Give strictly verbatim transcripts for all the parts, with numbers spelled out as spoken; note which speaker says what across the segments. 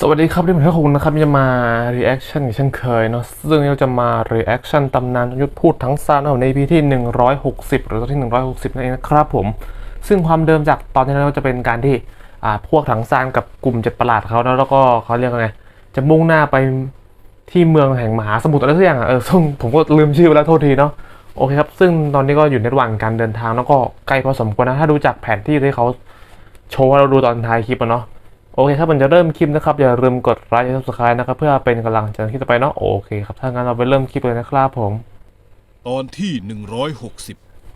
Speaker 1: สวัสดีครับที่ผมให้คุณนะครับจะมา reaction เช่นเคยเนาะซึ่งเราจะมา reaction ตำนานยุทธพูดทั้งซานใน อี พี ที่หนึ่งร้อยหกสิบหรือตอนที่หนึ่งร้อยหกสิบนั่นเองนะครับผมซึ่งความเดิมจากตอนที่แล้วจะเป็นการที่อ่าพวกถังซานกับกลุ่มเจ็ดประหลาดเขาแล้วแล้วก็เขาเรียกว่าไงจะมุ่งหน้าไปที่เมืองแห่งมหาสมุทรอะไรสักอย่างอ่ะเออซึ่งผมก็ลืมชื่อไปแล้วโทษทีเนาะโอเคครับซึ่งตอนนี้ก็อยู่ในระหว่างการเดินทางแล้วก็ใกล้พอสมควรนะถ้าดูจากแผนที่ที่เขาโชว์ให้เราดูตอนท้ายคลิปอะเนาะโอเคครับมันจะเริ่มคลิปนะครับอย่าลืมกดไลค์และ ซับสไครบ์ นะครับเพื่อเป็นกำลังใจในคลิปต่อไปเนาะโอเคครับถ้างั้นเราไปเริ่มคลิปเลยนะครับผม
Speaker 2: ตอนที่หนึ่งร้อยหกสิบ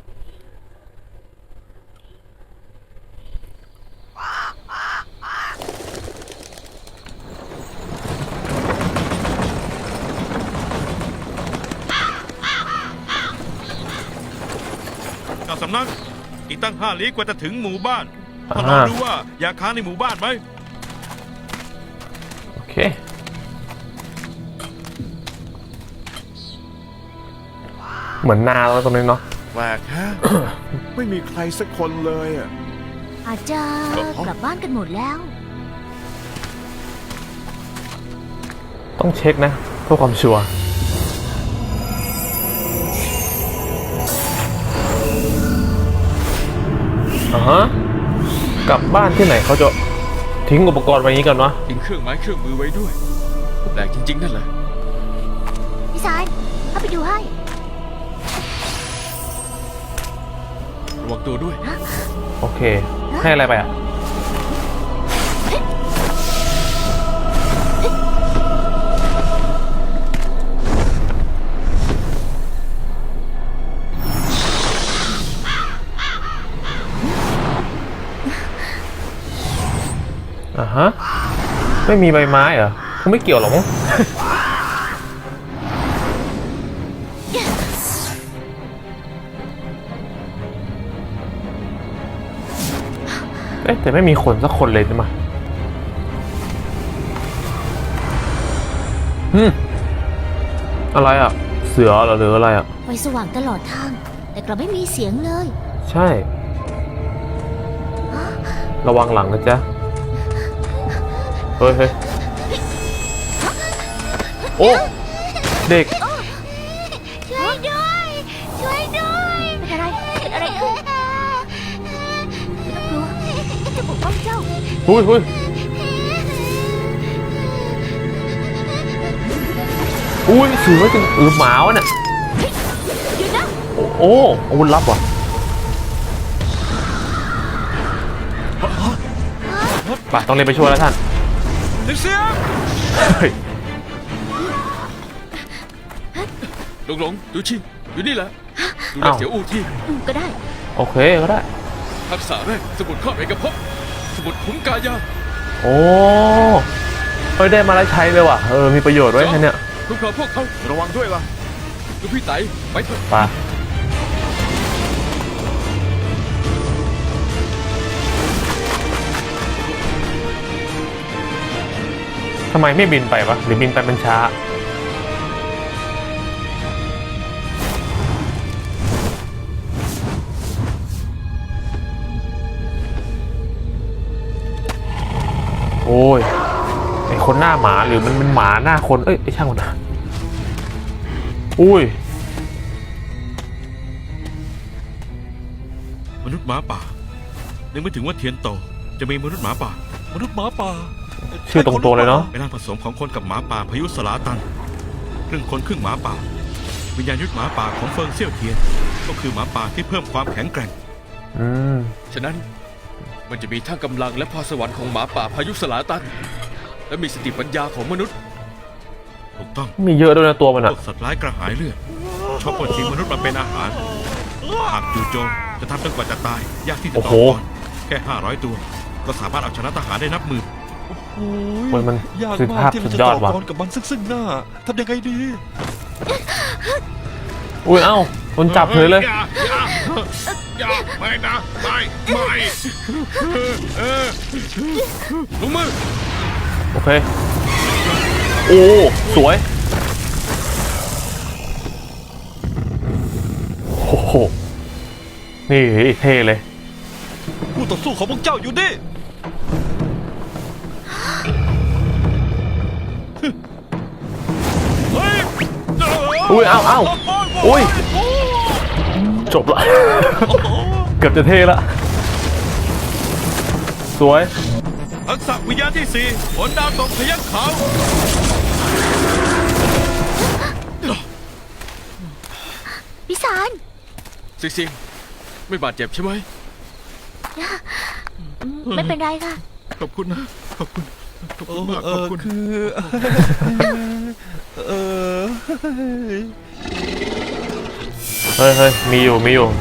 Speaker 2: เจ้าสำนักอีกตั้งห้าลี้กว่าจะถึงหมู่บ้านพอลองดูว่าอยากค้างในหมู่บ้านไหม
Speaker 1: โอเคเหมือนนาแล้วตรงนี้เนาะ
Speaker 3: แปลกฮะ ไม่มีใครสักคนเลยอ่ะ
Speaker 4: อาจจะกลับบ้านกันหมดแล้ว
Speaker 1: ต้องเช็คนะเพื่อความชัวร์อ่าฮะกลับบ้านที่ไหนเขาจะทิ้งอุปกรณ์ไว้อย่างนี้กันวะ
Speaker 2: ทิ้งเครื่องไม้เครื่องมือไว้ด้วยแปลกจริงๆนั่นแหละ
Speaker 4: พี่สายเข้าไปดูให้
Speaker 2: ระวังตัวด้วย
Speaker 1: โอเคให้อะไรไปอ่ะอ่าฮะไม่มีใบไม้เหรอเขาไม่เกี่ยวหรอกมั้ง เอ๊ะแต่ไม่มีคนสักคนเลยใช่ไหมฮึมอะไรอ่ะเสือเหรอหรืออะไรอ่ะ
Speaker 4: ไฟสว่างตลอดทาง แต่กลับไม่มีเสียงเลย
Speaker 1: ใช่ระวังหลังนะจ๊ะเฮ้ยเฮ้ยโอ้เด็ก
Speaker 4: ช่วยด้วย ช่วยด้วยเป็นอะไรเป็นอะไรขึ้นไม่ต้องกลัวจะปกป้องเจ้า
Speaker 1: หุยหุยอุ้ยเสือจริงเออหมาวะเนี่ย
Speaker 4: หยุดนะ
Speaker 1: โอ้โอ้อาวุธลับว่ะไปต้องเรียนไปช่วยแล้วท่าน
Speaker 2: เสียง
Speaker 1: เฮ้ย
Speaker 2: หลงหลงดูชิงอยู่นี่แหละดูแล
Speaker 1: อ้าว
Speaker 2: เสียวอูที่
Speaker 4: อืมก็ได้
Speaker 1: โอเคก็ได้
Speaker 2: ทักษะแรกสมุดครอบเอกภพสมุดขุมกายา
Speaker 1: โอ้เฮ้ยได้มาแล้วใช้เลยว่ะเออมีประโยชน์ไว้แค่เนี้ย
Speaker 2: คุ้มครองพวกเขา
Speaker 3: ระวังด้วยล่ะ
Speaker 2: ดูพี่ไตไปเถอะ
Speaker 1: ไปทำไมไม่บินไปวะหรือบินไปมันช้าโอ้ยไอคนหน้าหมาหรือมันเป็นหมาหน้าคนเอ้ยไอช่างมันนะอุ้ย
Speaker 2: มนุษย์หมาป่านึกไม่ถึงว่าเทียนโตจะมีมนุษย์หมาป่ามนุษย์หมาป่า
Speaker 1: ชื่อตรงตัวเลยเนาะ
Speaker 2: เป็นร่างผสมของคนกับหมาป่าพายุสลาตันครึ่งคนครึ่งหมาป่าวิญญาณยุทธหมาป่าของเฟิงเซี่ยวเทียนก็คือหมาป่าที่เพิ่มความแข็งแกร่ง
Speaker 1: อืม
Speaker 5: ฉะนั้นมันจะมีทั้งกำลังและพรสวรรค์ของหมาป่าพายุสลาตัน และมีสติปัญญาของมนุษย์
Speaker 2: ถูกต้อง
Speaker 1: มีเยอะด้วยนะตัวมัน
Speaker 2: พ
Speaker 1: อะ
Speaker 2: วกสัตว์ร้ายกระหายเลือดชอบปล้นชิงมนุษย์มาเป็นอาหารหากจู่โจมจะทำจนกว่าจะตายยากที่จะต่อกรแค่ห้าร้อยตัวก็สามารถเอาชนะทหารได้นับหมื่น
Speaker 1: โอ้ยมัน
Speaker 6: ยาก
Speaker 1: สุด
Speaker 6: มา
Speaker 1: ภาก พ
Speaker 6: ที่
Speaker 1: สุ
Speaker 6: เรา
Speaker 1: ด
Speaker 6: จะ
Speaker 1: ยอ
Speaker 6: ต่
Speaker 1: ด
Speaker 6: อ
Speaker 1: ว่ะ
Speaker 6: กรกับมันซึ่งซึ่งหน้าทำยังไงดี
Speaker 1: อุ้ยเอ้าโดนจับเลยเลย
Speaker 2: อย่าอย่าอย่าไม่นะไม่ไม่เออลงมือ
Speaker 1: โอเค โอ้ สวย โอ้โห นี่เท่เลย
Speaker 6: คู่ต่อสู้ของพวกเจ้าอยู่นี่
Speaker 1: อุ้ย เอ้าเอ้าอุ้ย จบละ เกือบจะเท่ละ สวย
Speaker 2: ทักษะวิญญาณที่สี่ผลดาวตกพยัคฆ์ขาว
Speaker 4: พิสาร
Speaker 5: ซิงเซียงไม่บาดเจ็บใช่ไหม
Speaker 4: ไม่เป็นไรค่ะ
Speaker 2: ขอบคุณนะ ขอบคุณ ขอบคุณมาก
Speaker 6: เอ
Speaker 2: ขอบ
Speaker 6: อ
Speaker 2: คุณ
Speaker 6: คือ เออ
Speaker 1: เฮ้ยเฮ้ยมีอยู่ มีอยู่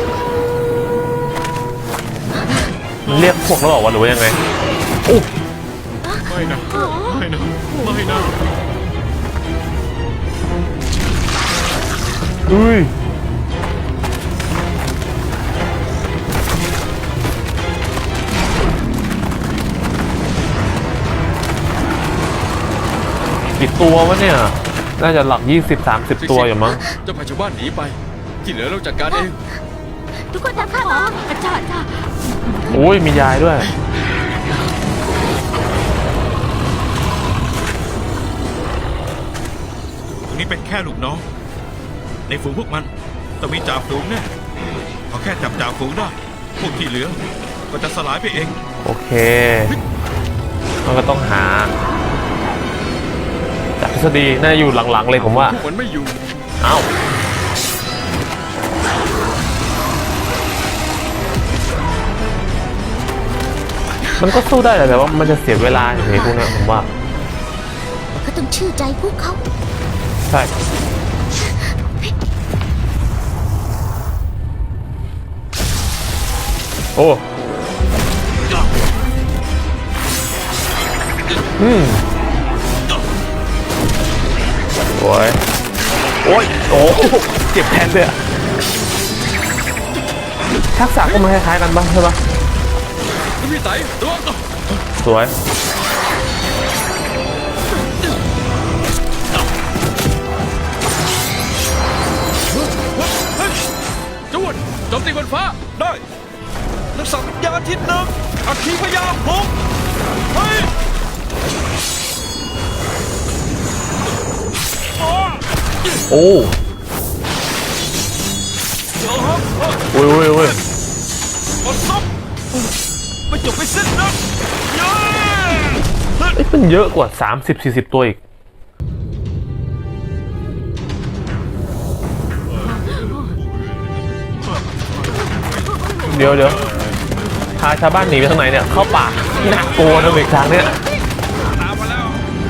Speaker 1: มันเรียกพวกแล้วบอกว่าหรือว่ายังไงอู้
Speaker 2: ไม่นะ ไม่นะ ไม่นะ
Speaker 1: อุ้ย กี่ตัววะเนี่ย น่าจะหลักยี่สิบสามสิบตัวอยู่มั้ง
Speaker 5: เจ้าพาชาวบ้านหนีไป ที่เหลือเราจัดการเอง
Speaker 4: ทุกคนตามข้ามาอาจารย์ค่ะ
Speaker 1: โอ้ย มียายด้วย
Speaker 2: ตรงนี้เป็นแค่ลูกน้อง ในฝูงพวกมันต้องมีจ่าฝูงแน่เขาแค่จับจ่าฝูงได้ พวกที่เหลือ ก็จะสลายไปเอง
Speaker 1: โอเค มันก็ต้องหา จากทฤษฎีน่าจะอยู่หลังๆเลยผมว่า
Speaker 5: พวกมันไม่อยู่
Speaker 1: เอ้า มันก็สู้ได้แหละแต่ว่ามันจะเสียเวลาอย่างนี้พวกเนี้ยผมว่า
Speaker 4: ก็ต้องเชื่อใจพวกเขา
Speaker 1: ใช่ โอ้ อืมโอ้ย โอ้ย โอ้เจ็บแทนเลยอะทักษะก็มาคล้ายๆกันบ้างใช่ปะ
Speaker 5: พี่ไต่ระวัง
Speaker 1: สวย
Speaker 5: จวนโจมตีบนฟ้า
Speaker 6: ได้ทักษะวิญญาณที่หนึ่งอัคคีพยาหงส์เฮ้ย
Speaker 1: โอ้โอ้ยโอ้ยโอ้ย
Speaker 6: หมดซับไม่จบไม่สิ้นนะเย้
Speaker 1: เอ้ยมันเยอะกว่า สามสิบสี่สิบ ตัวอีก เดี๋ยวเดี๋ยวพาชาวบ้านหนีไปทางไหนเนี่ย เข้าป่าน่ากลัวนะเบรกทางเนี่ย
Speaker 2: ตามมาแล้ว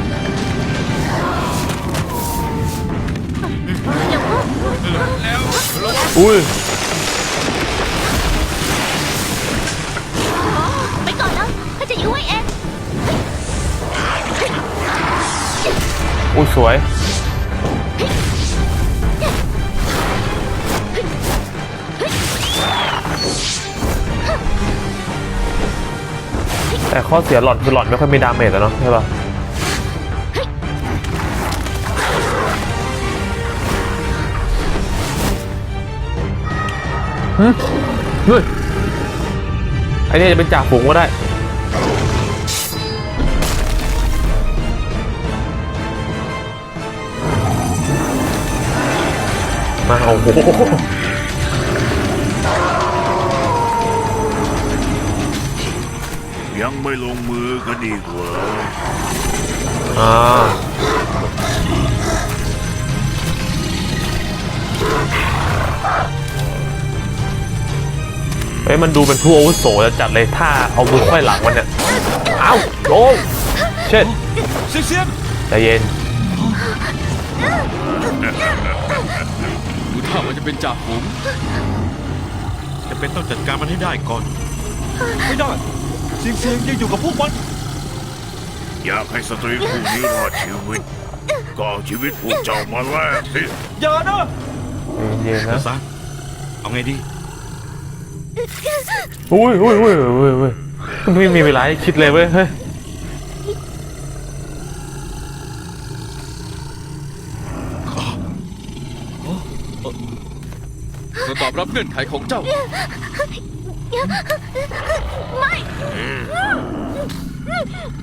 Speaker 1: อุ้ย
Speaker 4: ไปก่อนนะข้าจะอยู่ไว้เอง
Speaker 1: อุ้ยสวย แต่ข้อเสียหลอดคือหลอดไม่ค่อยมีดาเมจแล้วเนาะใช่ปะฮึเฮ้ยไอ้นี่จะเป็นจ่าฝูงก็ได้ มาโอ้โห
Speaker 7: ยังไม่ลงมือกันอีกเหรอ
Speaker 1: อ่าเฮ้ยมันดูเป็นผู้อาวุโสจะจัดเลยถ้าเอามือไขว้หลังมันเนี่ย เอ้าโอ้เช่น
Speaker 6: เสียงเสียง
Speaker 1: ใจเย็น
Speaker 5: ดูท่ามันจะเป็นจ่าฝูง
Speaker 2: จะเป็นต้องจัดการมันให้ได้ก่อน
Speaker 6: ไม่ได้เสียงเสียงยังอยู่กับพวกมัน
Speaker 7: อยากให้สตรีผู้นี้รอดชีวิต ก็เอาชีวิตพวกเจ้ามาแลกสิ
Speaker 6: อย่านะ
Speaker 1: เย็นๆนะ
Speaker 2: ซะเอาไงดี
Speaker 1: อุ้ยอุ้ยอุ้ยอุ้ยอุ้ยมันไม่มีเวลาให้คิดเลยเว้ยเฮ้ย
Speaker 5: เราตอบรับเงื่อนไขของเจ้า
Speaker 4: ไม่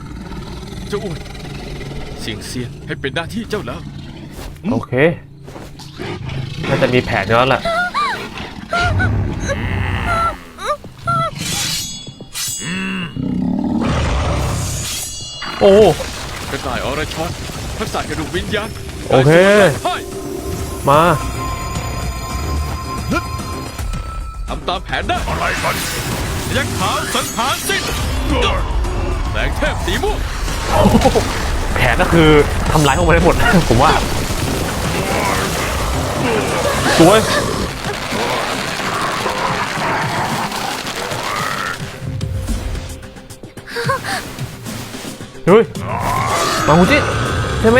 Speaker 5: เจ้าอ้วนเสียงเซียนให้เป็นหน้าที่เจ้าแล้ว
Speaker 1: โอเคน่าจะมีแผนอยู่แล้วแหละโอ้
Speaker 5: กระต่ายอรชรทักษะกระดูกวิญญาณ
Speaker 1: โอเค
Speaker 5: ให้
Speaker 1: มา
Speaker 5: ทำตามแผนได้
Speaker 7: อะไรกัน
Speaker 2: ยักษ์ขาวสังหารสิ้น
Speaker 5: แสงเทพสีม่วง
Speaker 1: แผนก็คือทำร้ายพวกมันได้หมด ผมว่า สวย เฮ้ย มาหูจิใช่ไหม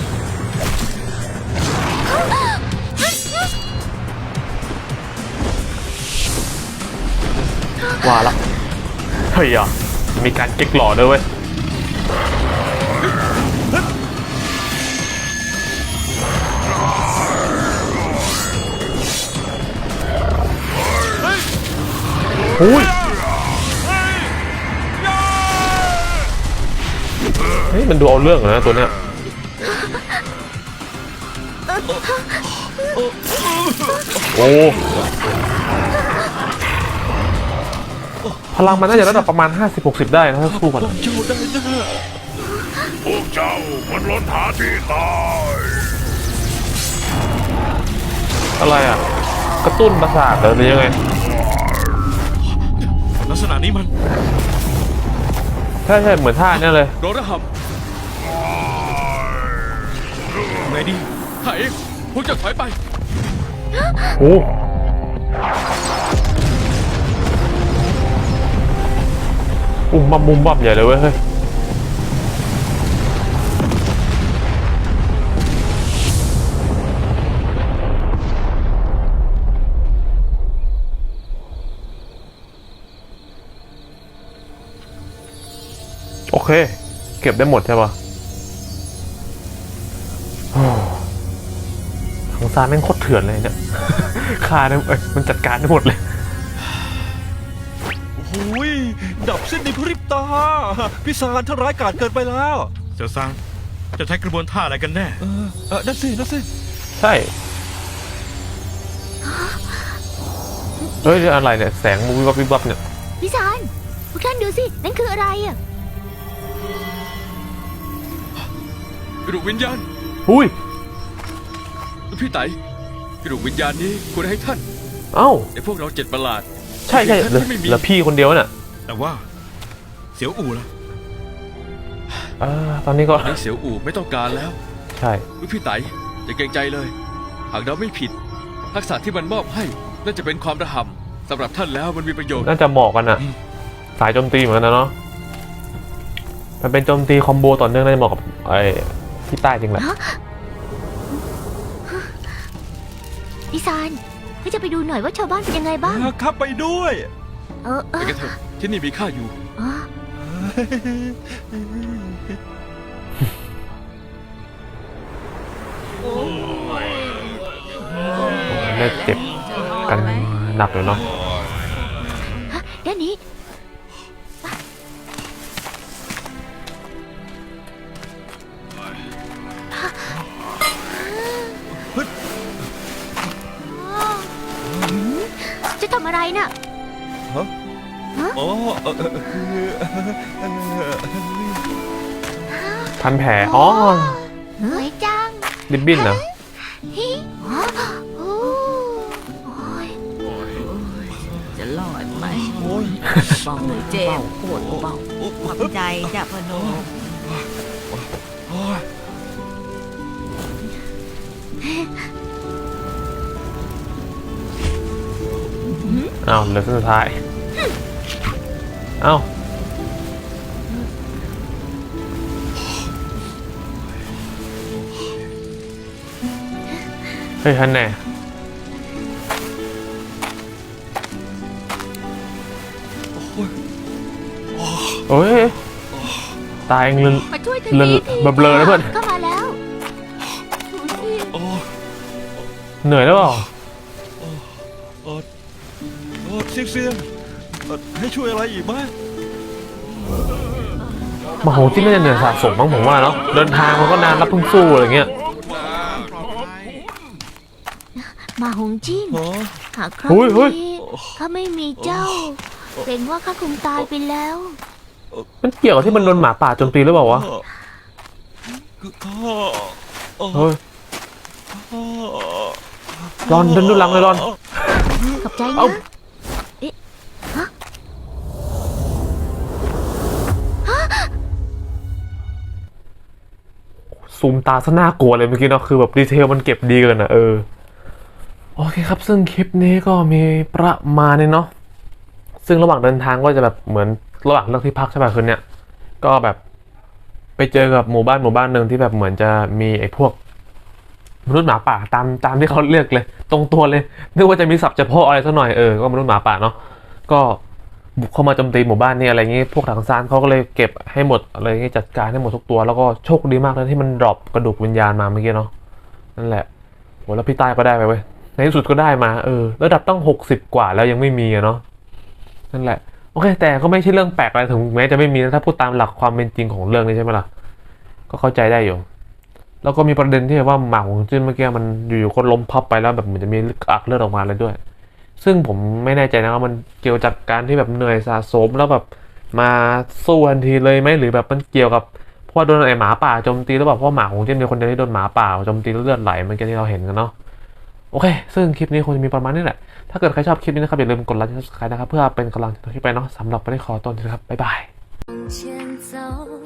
Speaker 1: ว่าละเฮ้ยอ่ะมีการเก๊กหล่อด้วยเว้ย อุ้ย เฮ้ย มันดูเอาเรื่องเหรอนะตัวเนี้ย โอ้ พลังมันน่าจะระดับประมาณ ห้าสิบหกสิบ ได้นะถ้าสู้กัน
Speaker 6: เจ้าได้แน่
Speaker 7: พวกเจ้ามันล้นหาที่ตาย
Speaker 1: อะไรอ่ะ กระตุ้นประสาทเหรอหรือยังไง
Speaker 2: ลักษณะนี้มัน
Speaker 1: ใช่ใช่เหมือนท่าเนี้ยเลย
Speaker 5: โรระหับ
Speaker 2: ไงดี
Speaker 5: ข้าเองพวกเจ้าถอยไป
Speaker 1: โอ้อุ้มบัมบุมบัมใหญ่เลยเว้ยเฮ้ย โอเค เก็บได้หมดใช่ปะโอ้ทางซานแม่งโคตรเถื่อนเลยเนี่ย ฆ่าได้เอ้ยมันจัดการได้หมดเลย
Speaker 6: โอ้ยดับสิ้นในพริบตาพิศาจท่านร้ายกาจเกินไปแล้ว
Speaker 2: เสี่ยวซางจะใช้กระบวนท่าอะไรกันแน่
Speaker 6: เออเออนั่นสินั่นสิ
Speaker 1: ใช่ เฮ้ยนี่อะไรเนี่ย แสงวิบวับวิบวับเนี่ย
Speaker 4: พี่ซานพวกท่านดูสิ นั่นคืออะไรอ่ะ
Speaker 5: กระดูกวิญญาณ
Speaker 1: อุ้ย
Speaker 5: พี่ไตกระดูกวิญญาณนี้ควรให้ท่าน
Speaker 1: เอ้า
Speaker 5: ในพวกเราเจ็ดประหลาด
Speaker 1: ใช่ใช่เหลือ
Speaker 5: ท่านไม่มี
Speaker 1: เหลือพี่คนเดียวน่ะ
Speaker 2: แต่ว่า เสียวอู่ล่ะ
Speaker 1: เออตอนนี้ก็
Speaker 5: ไอ้เสียวอู่ไม่ต้องการแล้ว
Speaker 1: ใช่
Speaker 5: พี่ไตอย่าเกรงใจเลย หากเราไม่ผิด ทักษะที่มันมอบให้น่าจะเป็นความระห่ำสำหรับท่านแล้วมันมีประโยชน์
Speaker 1: น่าจะเหมาะกันอ่ะ สายโจมตีเหมือนกันนะเนาะ มันเป็นโจมตีคอมโบต่อเนื่องน่าจะเหมาะกับไอ้ที่ใต้จริงแหละ
Speaker 4: พี่ซานก็จะไปดูหน่อยว่าชาวบ้านเป็นยังไงบ้าง
Speaker 6: ครับไปด้วย
Speaker 4: เออเอ
Speaker 5: ไป
Speaker 4: อ
Speaker 5: กันเถอะที่นี่มีข้าอยู่
Speaker 4: อ๋อ
Speaker 1: ได้เจ็บกันหนักเลยเนาะ
Speaker 4: ฮะด้านนี้ จะทำอะไรน่ะ
Speaker 6: อ๋อเออเออคือเออ
Speaker 1: พันแผล อ๋อ
Speaker 4: สวยจัง
Speaker 1: ดิบบิ้นนะ
Speaker 4: ฮิอ๋อโอ้โอ้ย
Speaker 8: จะรอดไหม
Speaker 6: โอ้ย
Speaker 8: เบาเจ็บปวดเบาขอบใจจ้ะพนม
Speaker 6: โอ้ย
Speaker 1: อ้าวเหลือเส้นสุดท้าย อ้าว เฮ้ยฮันแน่โอ้ย ตายเองเลย
Speaker 4: มาช่วยที
Speaker 1: เลอะ
Speaker 4: ที
Speaker 1: เบลอๆนะเพื่อน
Speaker 4: เข้ามาแล้วดูสิ
Speaker 6: โอ้ย
Speaker 1: เหนื่อยแล้วเปล่า
Speaker 6: โอ้โอ้เสียงเสียงเอ่อให้ช่วยอะไรอีกไหม
Speaker 1: มโหที่น่าจะเหนื่อยสะสมบ้างผมว่าเนาะ เดินทางมันก็นานรับเพิ่งสู้อะไรเงี้ย
Speaker 4: มาหงจิ้น
Speaker 6: ฮะ
Speaker 4: หากครั้ง
Speaker 1: เฮ้ยเฮ้ย
Speaker 4: นี้ข้าไม่มีเจ้าเกรงว่าข้าคงตายไปแล้ว
Speaker 1: มันเกี่ยวกับที่มันโดนหมาป่าโจมตีหรือเปล่าวะ
Speaker 6: ข้า
Speaker 1: เฮ้ยรอนเดินดูหลังเลยรอน
Speaker 4: ขอบใจ
Speaker 1: เอ้า
Speaker 4: นะเอ๊ะฮะ
Speaker 1: ซูมตาซะน่ากลัวเลยเมื่อกี้เนาะคือแบบดีเทลมันเก็บดีเกินอ่ะเออโอเคครับซึ่งคลิปนี้ก็มีประมาณนี้เนาะซึ่งระหว่างเดินทางก็จะแบบเหมือนระหว่างเลือกที่พักใช่ป่ะคืนเนี้ยก็แบบไปเจอกับหมู่บ้านหมู่บ้านหนึ่งที่แบบเหมือนจะมีไอ้พวกมนุษย์หมาป่าตามตามที่เขาเรียกเลย ตรงตัวเลยนึกว่าจะมีศัพท์เฉพาะอะไรสักหน่อยเออก็มนุษย์หมาป่าเนาะก็บุกเข้ามาโจมตีหมู่บ้านนี่อะไรเงี้ยพวกถังซานเขาก็เลยเก็บให้หมดอะไรเงี้ยจัดการให้หมดทุกตัวแล้วก็โชคดีมากเลยที่มันดรอปกระดูกวิญญาณมาเมื่อกี้เนาะนั่นแหละโหแล้วพี่ใต้ก็ได้ไปเว้ยในที่สุดก็ได้มาเออระดับตั้งหกสิบกว่าแล้วยังไม่มีอะเนาะนั่นแหละโอเคแต่ก็ไม่ใช่เรื่องแปลกอะไรถึงแม้จะไม่มีนะถ้าพูดตามหลักความเป็นจริงของเรื่องนี้ใช่ไหมล่ะก็เข้าใจได้อยู่แล้วก็มีประเด็นที่แบบว่าหมากของจิ้นเมื่อกี้มันอยู่ๆก็ล้มพับไปแล้วแบบเหมือนจะมีอักเลือดออกมาเลยด้วยซึ่งผมไม่แน่ใจนะว่ามันเกี่ยวจากการที่แบบเหนื่อยสะสมแล้วแบบมาสู้ทันทีเลยไหมหรือแบบมันเกี่ยวกับเพราะว่าโดนไอ้หมาป่าโจมตีหรือเปล่าเพราะว่าหมาของจิ้นเป็นคนเดียวที่โดนหมาป่าโจมตีแล้วเลือดไหลเมื่อกี้ที่เราเห็นกันเนาะโอเคซึ่งคลิปนี้คงจะมีประมาณนี้แหละถ้าเกิดใครชอบคลิปนี้นะครับอย่าลืมกดไลค์กดซับสไครต์นะครับเพื่อเป็นกำลังใจให้ไปเนาะสำหรับวันนี้ขอตัวนะครับบ๊ายบาย
Speaker 4: 前走。